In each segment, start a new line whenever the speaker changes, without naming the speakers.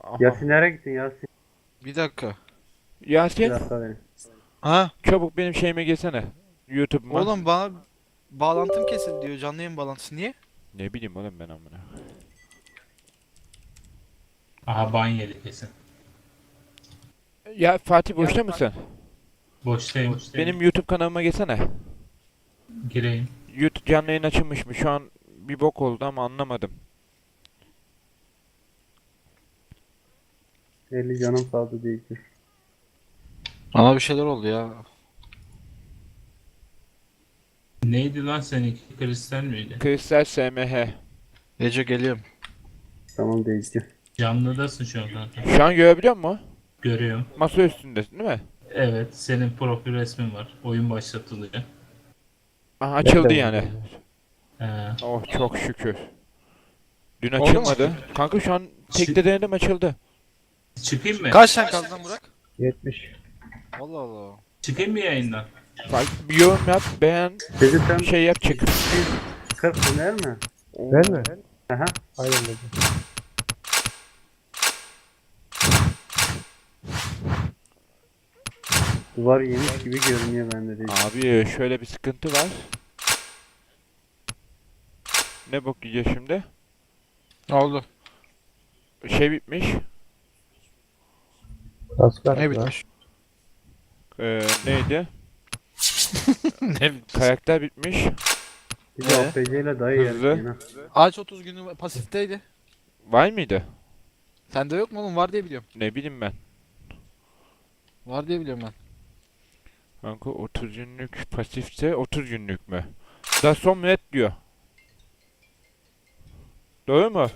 Aha.
Yasin nereye gittin Yasin?
Bir dakika.
Bir
Yasin,
dakika verin.
Ha?
çabuk benim şeyime gelsene. YouTube'uma.
Oğlum bana bağlantım kesildi diyor. Canlı yayın bağlantısı. Niye?
Ne bileyim oğlum ben amına.
Aha ban yedi kesin.
Ya Fatih boşta mısın?
Boştayım.
Benim YouTube kanalıma gelsene.
Gireyim.
YouTube canlı yayın açılmış mı? Şu an bir bok oldu ama anlamadım.
50 canım kaldı diyecek.
Bana bir şeyler oldu ya.
Neydi lan seninki? Kristal miydi?
Kristal SMH.
Gece geliyorum.
Tamam diyecek.
Canlıdasın şu an kanka.
Şu an görebiliyor musun?
Görüyorum.
Masa üstündesin değil mi?
Evet, senin profil resmin var. Oyun başlatılıyor.
Aha, açıldı yani.
Ee,
Oh çok şükür. Dün
Oldu mu?
açılmadı. Kanka şu an tekte denedim açıldı.
çıkayım mı?
Kaç tane kaldı lan Burak?
70.
Allah Allah.
Çıkayım mı yayından?
Bak bir yorum yap, beğen,
Dedi sen
şey yap çık.
40 döner mi?
Ben mi?
Aha.
Aynen dedim.
Duvar yemiş gibi görünüyor bende değil.
Abi şöyle bir sıkıntı var. Ne bok yiyeceğiz şimdi?
Ne oldu?
Şey bitmiş.
Asgari
Ne
ya.
bitmiş?
Neydi?
Ne bitmiş?
Karakter bitmiş.
Bir de APC ile dayı
Hızlı.
yerken ha.
Ağaç 30 günü pasifteydi.
Var mıydı?
Sende yok mu oğlum? Var diye biliyorum.
Ne bileyim ben.
Var diye biliyorum ben.
Kanka 30 günlük pasifse 30 günlük mü? Da son net diyor. Doğru mu?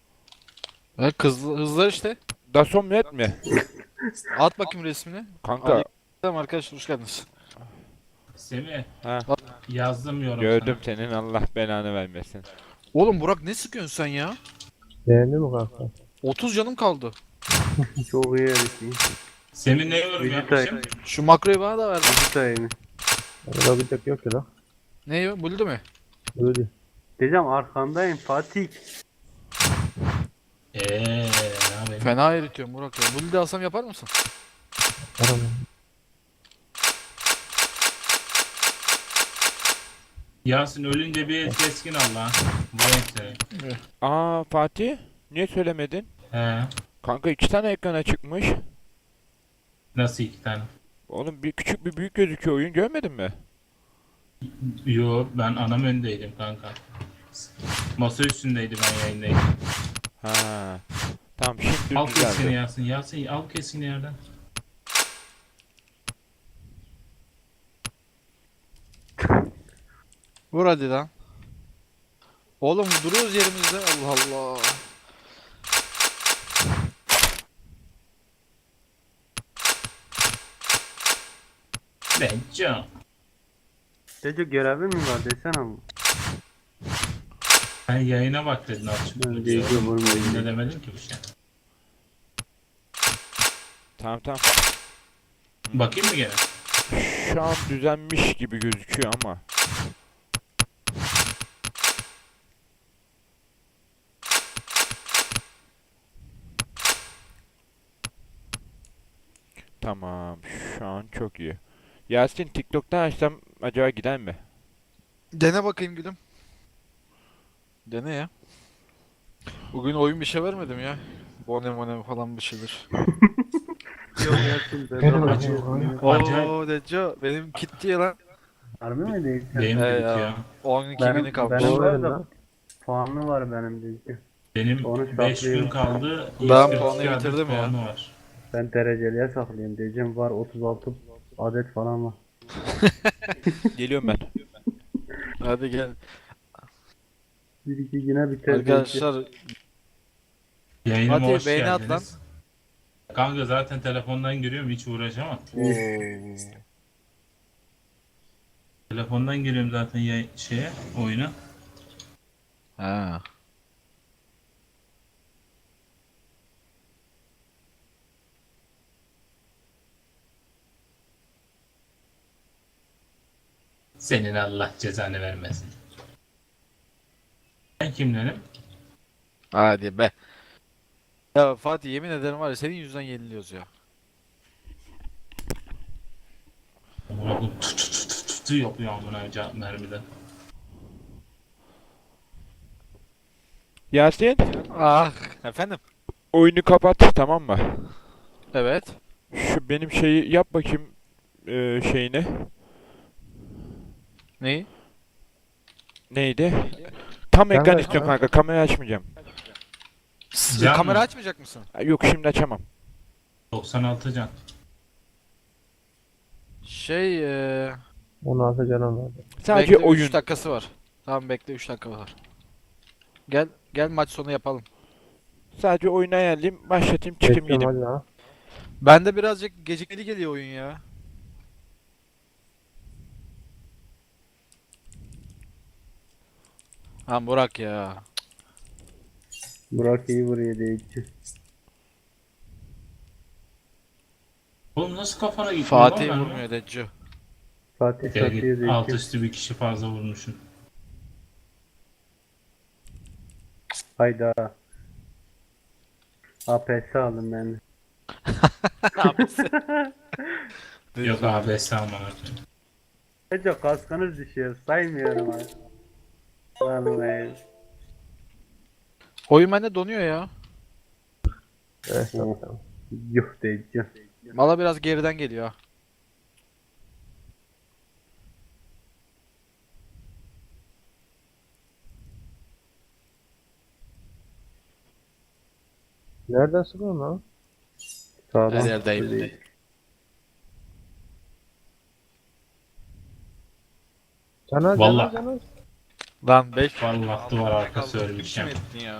Hızlar işte.
Da son net mi?
At bakayım resmini.
Kanka
Tamam arkadaşlar hoş geldiniz.
Semih,
ha,
yazdım yorum
gördüm
sana.
senin, Allah belanı vermesin.
Oğlum Burak ne sıkıyorsun sen ya?
Beğendin mi kanka?
30 canım kaldı.
Çok iyi herifim.
Semih ne yorum yapmışım?
Şu makroyu bana da ver.
Vücut mi?
Orada bir tek yok ya lan.
Ne o? Buldu mu?
Öyle.
Diyeceğim arkandayım Fatih.
Ne yapayım?
Fena eritiyorum Burak ya. Buldu alsam yapar mısın?
Aram.
Yasin ölünce bir keskin al lan. Vay seni.
Aa Fatih, niye söylemedin?
He.
Kanka 2 tane ekrana çıkmış.
Nasıl iki tane?
Oğlum bir küçük bir büyük gözüküyor, oyun görmedin mi?
Yo, ben anam öndeydim kanka. Masa üstündeydi, ben yayındaydım.
Ha. Tamam şimdi
Al keskini
düzeldi.
Yasin. Yasin al keskini yerden.
Vur hadi lan. Oğlum duruyoruz yerimizde. Allah Allah.
Bence.
Dedi görevin mi var desene ama.
Ben yayına bak dedin açık.
Ben diyeceğim oğlum,
Ne
diyeceğim.
demedim ki bir şey.
Tamam tamam.
Bakayım mı gene?
Şu an düzenmiş gibi gözüküyor ama. Tamam, şu an çok iyi. Yasin TikTok'tan açsam acaba gider mi?
Dene bakayım gülüm. Dene ya. Bugün oyun bir şey vermedim ya. Bonem falan bir şeyler.
Yok Yasin ben
Benim
de
acıyor.
Acayip.
Oo Deco benim gitti ya lan.
Harbi mi değil?
Benim de
He
bitiyor.
ya. 12
Benim-
günü kalmış.
benim-
Doğru
var
verin
da-
lan.
Puanlı var benim diyeceğim.
Benim
Onu
5 gün
saklayayım.
kaldı.
Ben
142
puanı
adet
bitirdim ya.
puanı var.
Ben dereceliye saklayayım diyeceğim. Var 36 adet falan var.
Geliyorum ben.
Hadi gel.
Bir iki güne biter. diyeceğim.
Arkadaşlar
Yayınıma
Hadi
hoş
beğeni at
geldiniz. Kanka zaten telefondan giriyorum, hiç uğraşamam. Telefondan giriyorum zaten oyuna.
Ha.
Senin Allah cezanı vermesin. Ben kimlerim?
Hadi be. Ya Fatih yemin ederim var ya senin yüzünden yeniliyoruz ya.
Amına koyayım tut tut tut tut tut yapıyor amına cevap mermiden.
Yasin,
Ah efendim.
oyunu kapat, tamam mı?
Evet.
Şu benim şeyi yap bakayım, şeyini.
Neyi?
Neydi? Tam ekran
Kamera-
istiyorum kanka, kamerayı açmayacağım.
Can
Kamera
mı?
açmayacak mısın?
Ha, yok, şimdi açamam.
96 can.
Şey
16 canım vardı.
Sadece
bekle
oyun.
3 dakikası var. Tamam bekle 3 dakika var. Gel maç sonu yapalım.
Sadece oyunu ayarlayayım, başlatayım, çıkayım
Bekliyorum
gideyim.
hadi ha.
Bende birazcık gecikmeli geliyor oyun ya. Ha Burak ya.
Burak iyi vuruyor Deyici.
Oğlum nasıl kafana gitti?
Fatih
lan
vurmuyor Deccio.
Fatih
Gel
satıyor
git. Alt
Deyici.
üstü bir kişi fazla vurmuşsun.
Hayda. APS aldım ben de.
Yok abi estağfurullah.
Ece kaskınız düşüyor. Saymıyorum abi. Vallahi.
Oyun bende donuyor ya.
Evet,
Oh.
tamam.
Yuh Deyici.
Valla biraz geriden geliyor.
Nereden sıkıyorsun lan?
Sağdan.
Her yerdeyim.
Deyici.
Caner,
Vallahi.
Caner.
Lan 5
Vallahi duvar arkası ölmüşüm.
ya.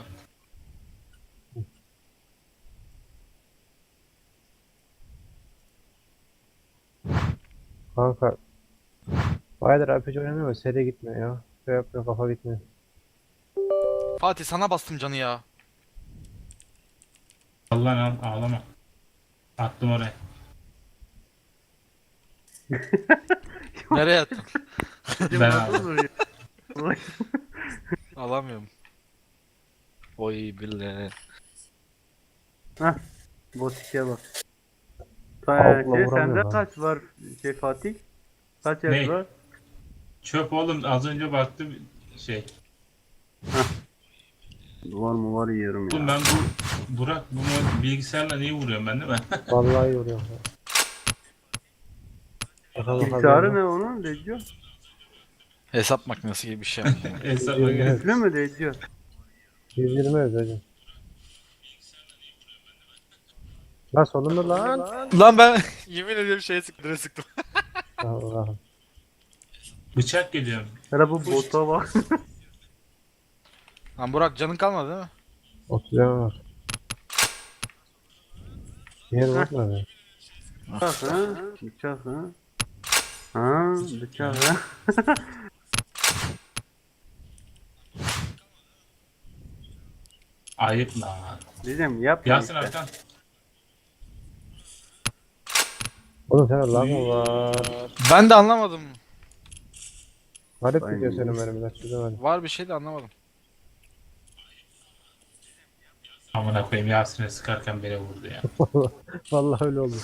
Kanka. Bayağıdır RPG oynamıyor, seri gitmiyor ya. Şey yapıyor, kafa gitmiyor.
Fatih sana bastım canı ya.
Allah ağlama. Attım oraya.
Nereye attın?
Ben aldım.
Alamıyorum. Oy billahi.
Botik'e bak.
Avukla
Şey,
vuramıyor
sende
lan.
kaç var şey Fatih? Kaç
Ne?
yaş var?
Çöp oğlum az önce baktım şey.
Var mı var yiyorum
Oğlum
ya.
ben Burak bu bilgisayarla niye vuruyorum ben değil mi?
Vallahi yoruyor. Bakalım,
Bilgisayarı ne onun Deyici?
Hesap makinesi gibi bir şey.
Hesap
Evet.
makinesi.
Üflü mü Deyici?
120 ödeyeceğim. Lan sonunda lan.
Lan ben yemin ediyorum şeye sıktım. Sıktım.
Allah'ım.
Bıçak geliyor.
Hele bu bota bak.
Lan Burak canın kalmadı değil mi?
30 canım var. Yer bakma be.
Bıçak ha? Bıçak ha? Ha bıçak ha?
Ayıp lan.
Diyeceğim yapma
Yasin
işte.
Arkan.
Oğlum sana lag mı var?
Ben de anlamadım.
Garip
Aynen.
gidiyor senin mermiler, çözemedim.
Var bir şey de anlamadım.
Amına koyayım Yasin'e sıkarken beni vurdu ya.
Vallahi öyle oldu.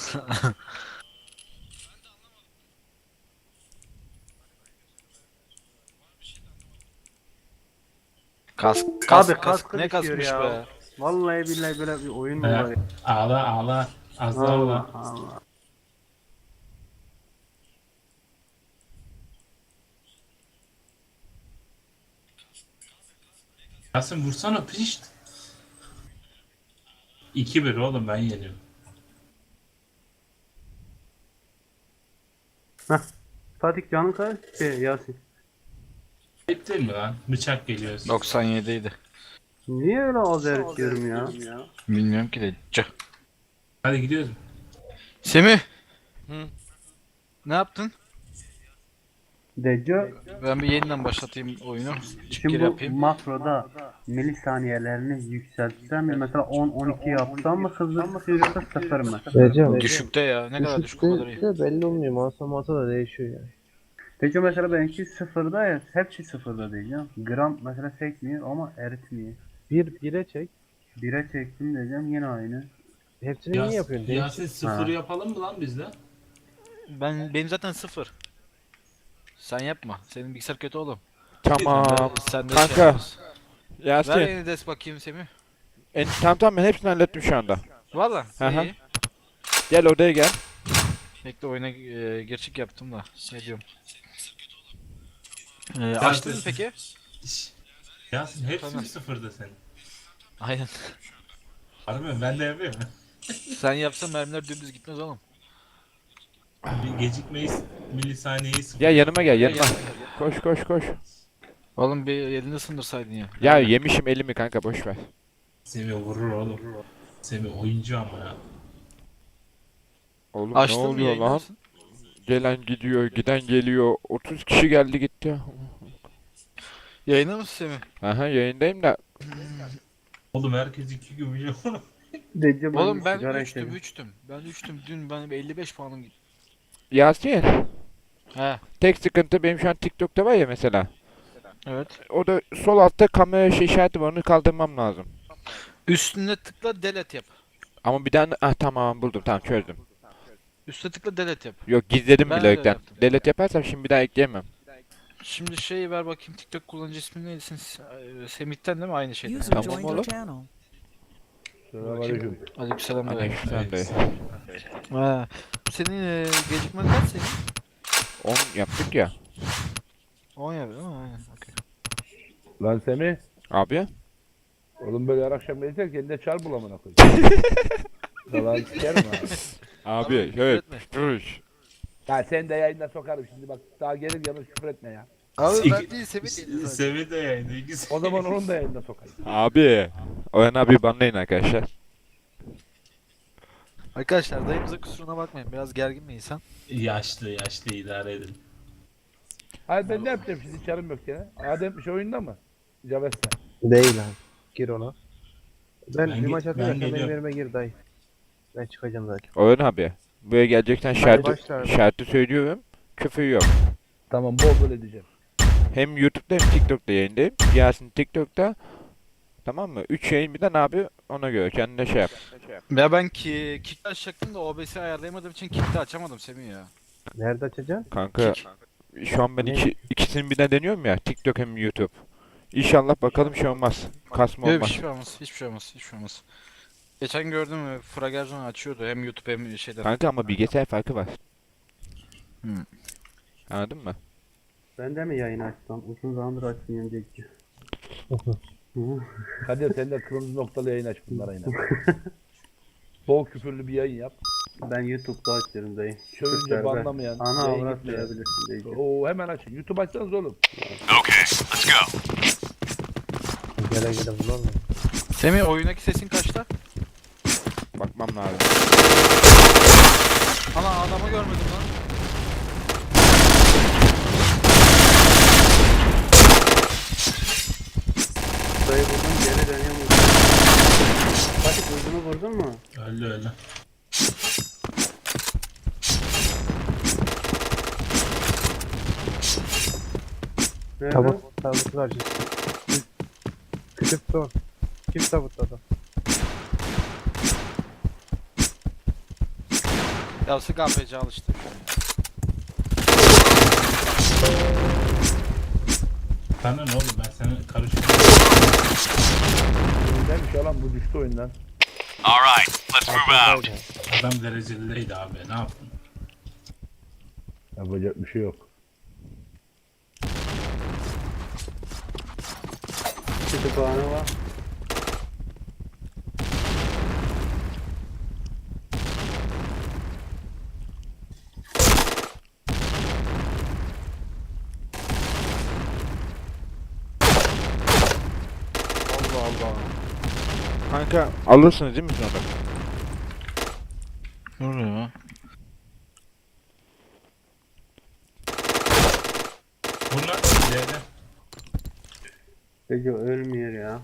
Kask,
Abi
kask,
kaskı
ne
düşüyor
kaskmış
ya.
be.
Vallahi billahi böyle bir oyun mu var ya?
Ağla ağla. Az daha
Allah
ağla.
Allah.
Yasin vursana pişt. 2-1 oğlum ben yeniyorum.
Fatih canın kaç? Şey Yasin.
Ayıp değil mi lan? Bıçak geliyor.
97 idi.
Niye öyle az eritiyorum ya?
Bilmiyorum ki de.
Hadi gidiyoruz.
Semih.
Hı.
Ne yaptın?
Deco
Ben bir yeniden başlatayım oyunu. Çık
şimdi
geri
bu
yapayım.
makroda milisaniyelerini yükseltsem mi? Mesela 10-12 yapsam mı hızlı mı yoksa 0 mı?
Vereceğim.
Düşükte ya. Ne kadar düşük o kadar iyi.
Düşükte de belli olmuyor. Masa da değişiyor yani.
Deco mesela benimki 0'da ya hepsi 0'da diyeceğim. Gram mesela sekmiyor ama eritmiyor.
1'e çek.
1'e çektim diyeceğim yine aynı.
Hepsini niye yapıyorsun? Değil.
Yasin sıfır yapalım mı lan bizde?
Benim zaten 0. Sen yapma. Senin bilgisayar kötü oğlum.
Tamam.
Sen de
Kanka.
şey yaparsın. Ver
Yasin.
yeni des bakayım Semih.
Tamam ben hepsini hallettim şu anda.
Valla.
Hı hı.
İyi.
Gel odaya gel.
Bekle oyuna geçik yaptım da. Ne diyorum.
Sen
Açtın mı
de-
peki?
Şşş. Yasin hepsi
Tamam.
mi sıfırda senin?
Aynen.
Harbi mi? Ben de yapıyorum.
Sen yapsan mermiler dümdüz gitmez oğlum.
Bir gecikmeyi milisaniyeyi sıfır.
Ya yanıma gel
Gel,
yanıma.
gel, gel.
Koş.
Oğlum bir elini ısındırsaydın ya.
Ya yemişim elimi kanka boş ver.
Semih vurur oğlum. Semih oyuncu ama ya.
Oğlum
Açtın
ne
mı
oluyor
yayını
lan?
mısın?
Gelen gidiyor, giden geliyor. 30 kişi geldi gitti.
Yayında mısın Semih?
Aha yayındayım da.
Oğlum herkes 2 gümüş.
Diyeceğim
Oğlum ben
sigara
3'tüm
içelim.
3'tüm. Ben 3'tüm. Dün ben 55 puanım gitti.
Yasin.
He.
Tek sıkıntı benim şu an TikTok'ta var ya mesela.
Evet.
O da sol altta kamera işareti var onu kaldırmam lazım.
Üstüne tıkla delete yap.
Ama bir tane tamam buldum tamam çözdüm.
Üstüne tıkla delete yap.
Yok gizledim
Ben
bile
de
yoktan.
yaptım.
Delete yaparsam şimdi bir daha ekleyemem.
Şimdi şey ver bakayım TikTok kullanıcı ismi neydi? Semih'ten değil mi? Aynı şeyden.
User
Tamam
joined
oğlum.
your channel.
Selamünaleyküm.
Aleykümselam.
Aleykümselam dayı.
Ha. Senin gecikmen kaç senin?
10 yaptık ya.
10 yapıyor değil mi? Aynen. Okey.
Lan Semih.
Abi.
Oğlum böyle her akşam gelirsen kendine çar bul amına koyayım. Yalan sikerim abi.
Abi
Tamam,
evet.
küfür etme.
Duruş.
Ya sen de yayında sokarım şimdi bak daha gelir yanlış küfür etme ya.
Abi ben değil Semih değil zaten.
Semih de yayında ikisi.
O zaman onun da yayında sokayım.
Abi. Oyan abi banlayın arkadaşlar.
Arkadaşlar dayımıza kusuruna bakmayın. Biraz gergin bir insan.
Yaşlı idare edin.
Hayır ben ne yapacağım şimdi çarım yok ya. Adem bir şey oyunda mı? Caves'le.
Değil abi. Gir ona. Ben
Ben
bir
ge-
maç
ben
atacaksan benim
geliyorum.
yerime gir dayı. Ben çıkacağım zaten.
Oyan abi. Buraya gelecekten
başla abi.
şartı söylüyorum. Küfür yok.
Tamam bol bol edeceğim.
Hem YouTube'da hem TikTok'ta yayındayım. Yasin TikTok'ta. Tamam mı? 3 yayın birden abi ona göre kendine şey yap.
Ya ben kick'te açacaktım da OBS'i ayarlayamadığım için kick'te açamadım Semih ya.
Nerede açacaksın?
Kanka şu an ben
Ne?
ikisini birden deniyorum ya. TikTok hem YouTube. İnşallah bakalım şey olmaz. Kasma
Yok
olmaz.
hiçbir şey olmaz. Hiçbir şey olmaz. Hiçbir şey olmaz. Geçen gördüm Fragerson açıyordu hem YouTube hem şeyden.
Kanka ama bilgisayar farkı var.
Hmm.
Anladın mı?
Ben de mi yayın açsam? Uzun zamandır açmıyorum Cekci.
Kadir sen de kırmızı noktalı yayın aç bunlara yine. Bol küfürlü bir yayın yap.
Ben YouTube'da açıyorum dayı.
Çövünce
Serbest.
banlamayan.
Ana
yayın
avrat
gitmeyen.
verebilirsin Cekci.
Oo hemen açın. YouTube açsanız oğlum.
Gele gele bulur mu?
Semih oyundaki sesin kaçta?
Bakmam lazım.
Ana adamı görmedim lan.
Dayı vurdum geri dönüyorum. Bak vurdunu vurdun mu?
Öldü.
Nerede?
Tabut karşısı. Kütüp son. Kim tabutladı?
Ya sık APC alıştı.
Sana ne oğlum ben seni karıştırdım.
Neymiş ya lan bu düştü oyundan.
Adam dereceliydi abi ne yaptın?
Yapacak bir şey yok.
Kütüphane var.
Allah Allah.
Kanka alırsınız değil mi sonra?
Ne oluyor ya?
Bunlar ileride.
Cekci ölmüyor ya.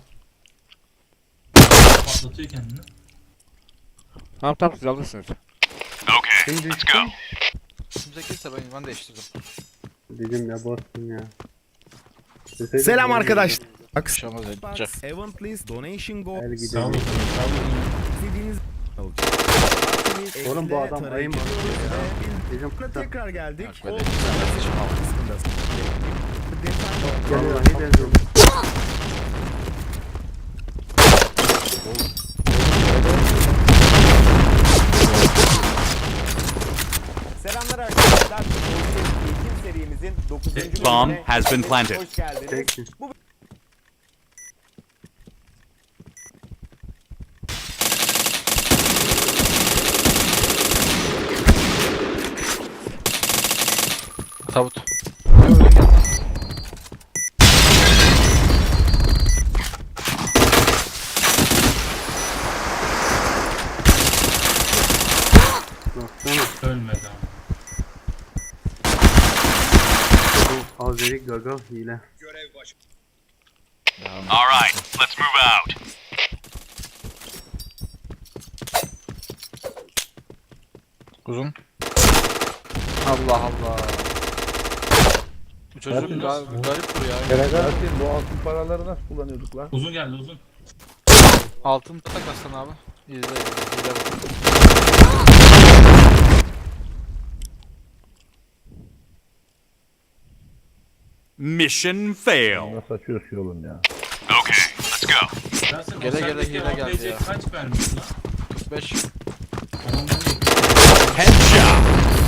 Patlatıyor kendini.
Tamam siz alırsınız.
Kim düştü?
Kimse kimse ben değiştirdim.
Dedim ya bastım ya.
Selam arkadaş.
Şamaz edince.
Event donation goal.
El
Sağ olun.
gidelim.
Sağ olun.
İstediğiniz
Oğlum bu adam ayı mı? Bizim
tekrar geldik.
Bak böyle güzel kardeşim al.
vallahi benziyorum.
Selamlar arkadaşlar. Eğitim serimizin 9.
Bomb
has been planted. Hoş geldiniz.
Teksin.
Tavut. Yo, öyle gel.
Baksana.
Ölmedi ama.
Bu Azeri Gaga hile.
Uzun. Allah Allah. Bu çocuk
Yasin,
garip bu ya.
Yasin bu altın paraları nasıl kullanıyorduk lan?
Uzun geldi uzun.
Altın tak Aslan abi. İzle izle. Hile bak.
Mission fail.
Nasıl açıyor şu yolun ya?
Yasin, o
Gele gele
sendeki
hile geldi
APC
ya.
kaç vermiş lan?
45.
Onun değil.
Headshot.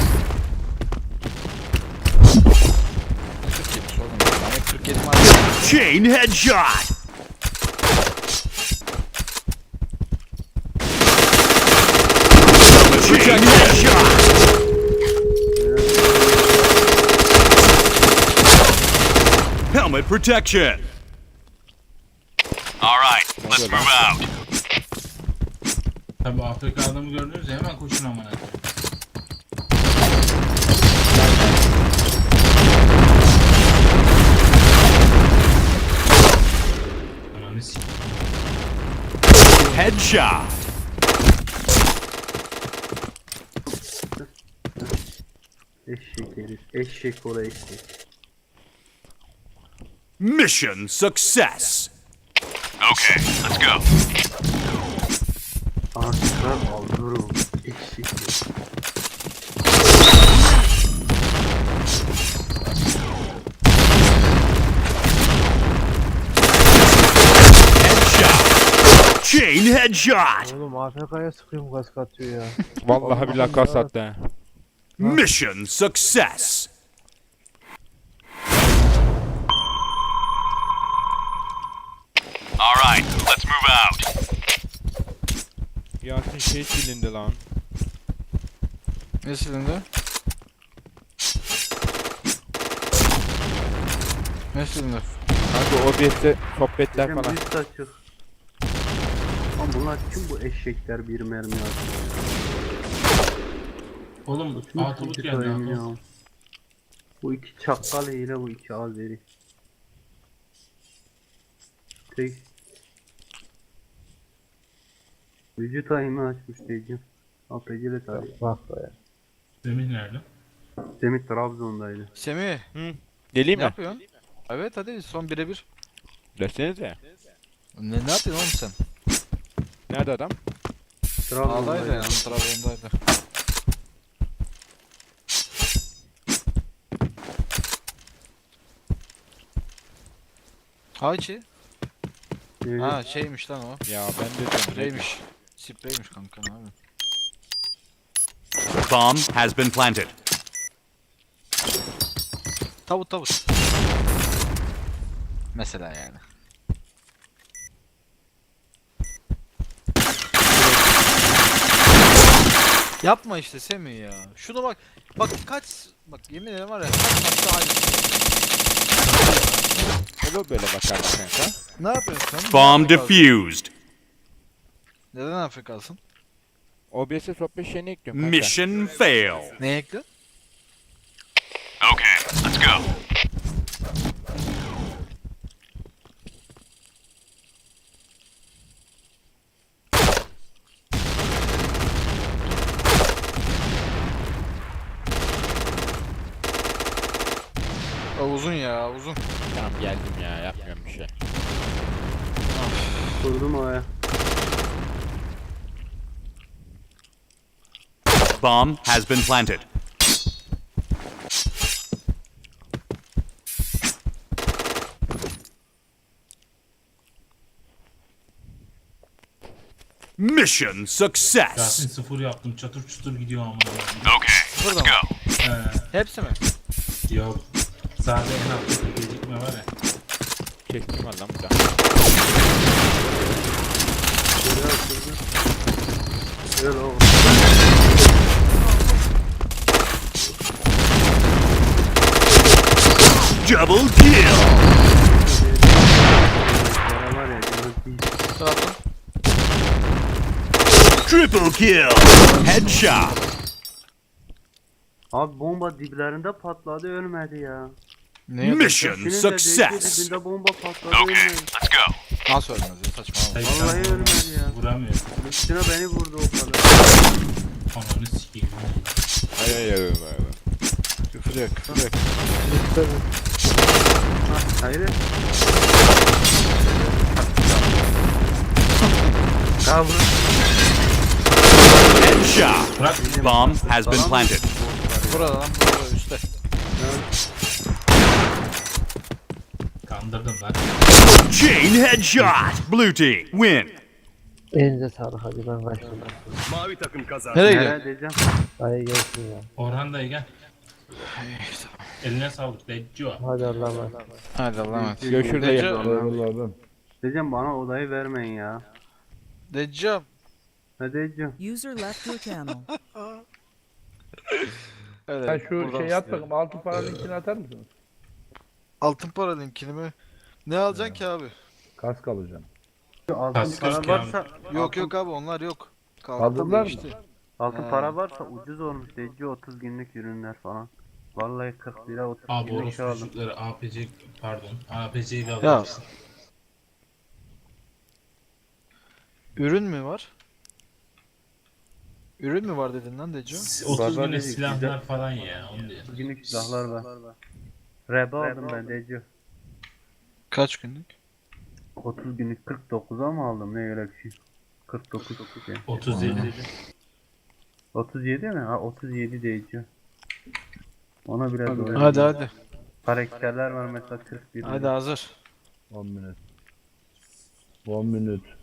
47 oğlum. Yani 47 madde.
Chain headshot. Chain headshot. Helmet protection. All right, let's move out.
Tabi Afrika adamı gördünüz ya hemen koşun amına koyayım. Ananı s***.
Headshot.
Eşek herif. Eşek ola eşek.
Mission success. Okay, let's go.
Artıklar aldırım. Eşek herif.
Headshot. Chain headshot.
Oğlum AFK'ya sıkıyorum gaz katıyor ya.
Vallahi billahi kas attı ha.
Mission success. All right, let's move out.
Yasin şey silindi lan.
Ne silindi? Ne silindi?
Kanka OBS'te sohbetler
Bizim
falan.
üst açık. Lan bunlar kim bu eşekler bir mermi atıyor?
Oğlum
Kim
altı but
iki
geldi
sayım
ha.
ya? Bu iki çakal hile, bu iki Azeri. Tek. Vücut ayımı açmış diyeceğim. APC'le tarih.
Bak be ya.
Semih nerede?
Semih Trabzon'daydı.
Semih.
Geleyim
Ne
mi?
yapıyorsun? Evet hadi son birebir.
Desenize.
Ne yapıyorsun oğlum sen?
Nerede adam?
Ağdaydı
Trabzon'daydı.
yani. Trabzon'daydı. Hayçi.
Evet.
Ha şeymiş lan o.
Ya ben de diyorum.
Spreymiş. Spreymiş kanka ne abi.
Bomb has been planted.
Tavut. Mesela yani. Yapma işte Semih ya. Şuna bak. Bak kaç. Bak yemin ederim var ya. Kaç maçta aynı.
Olur böyle bakarım kanka.
Ne yapıyorsun sen?
Bomb
Neden Afrikalısın?
defused.
Neden Afrikalısın?
OBS'e sohbet şeyini ekliyorum kanka.
Mission fail.
Neye ekledin?
Okay, let's go.
Uzun ya uzun.
Tamam geldim ya yapmıyorum bir şey.
Kurdum oraya.
Bomb has been planted. Mission success.
Yasin 0 yaptım. Çatır çutur gidiyor ama.
Okay, let's go.
Hepsi mi?
Yok. Sadece en alttaki gecikme var ya.
Kestim lan burada.
Öyle oğlum.
Double kill.
Para var ya. canım değil.
Taraftan.
Triple kill. Headshot.
Abi bomba diplerinde patladı ölmedi ya.
Ne yapıyorsun?
Mission
Senin de
success.
dibinde bomba patladı
Okay,
ölmedi.
let's go.
Nasıl ölmez ya saçmalama.
Hayır,
Vallahi
sen
ölmedi ya.
vuramıyor.
Üstüne beni vurdu o kadar.
Ananı sikeyim.
Ay.
Küfür yok küfür yok.
Hayır. Kavra.
Headshot.
Bırak.
Bomb has been planted.
Burada lan burada üstte.
Kandırdım lan.
Chain headshot. Blue team win.
Elinize sağlık hadi ben kaçtım.
Nereye gidiyor?
Nereye diyeceğim?
Dayı gelsin ya.
Orhan dayı gel. Eline sağlık Deccio.
Hadi Allah'a emanet.
Hadi Allah'a emanet.
Görüşürüz.
Deccio.
Eyvallah.
Diyeceğim bana odayı vermeyin ya.
Deccio.
Ne diyeceğim?
User left your channel.
Öyle,
Sen şu
buradan
şey at
istiyorum.
bakayım altın para linkini atar mısınız?
Altın para linkini mi? Ne alacaksın ki abi?
Kask alacağım.
Altın
Kaskır
para
ki
varsa
Yok yok abi onlar yok.
Kaldırdılar mı?
işte.
altın para varsa ucuz olmuş diyeceğim 30 günlük ürünler falan. Vallahi 40 lira 30
Abi
günlük
orospu
şey aldım.
çocukları APC pardon. APC'yi de
Ya.
alacaksın.
Ürün mü var? Ürün mü var dedin lan Deccio?
30
Barbar
güne
dedik,
silahlar
güzel.
falan ya. Onu diyor.
30 günlük silahlar var. Reba aldım ben diyeceğim.
Kaç günlük?
30 günlük 49'a mı aldım ne öyle bir şey. 49 şey.
37.
37 mi? Ha 37 diyeceğim. Ona biraz doğru.
Hadi.
Karakterler var mesela 41.
Hadi hazır.
10 minut. 10 minut.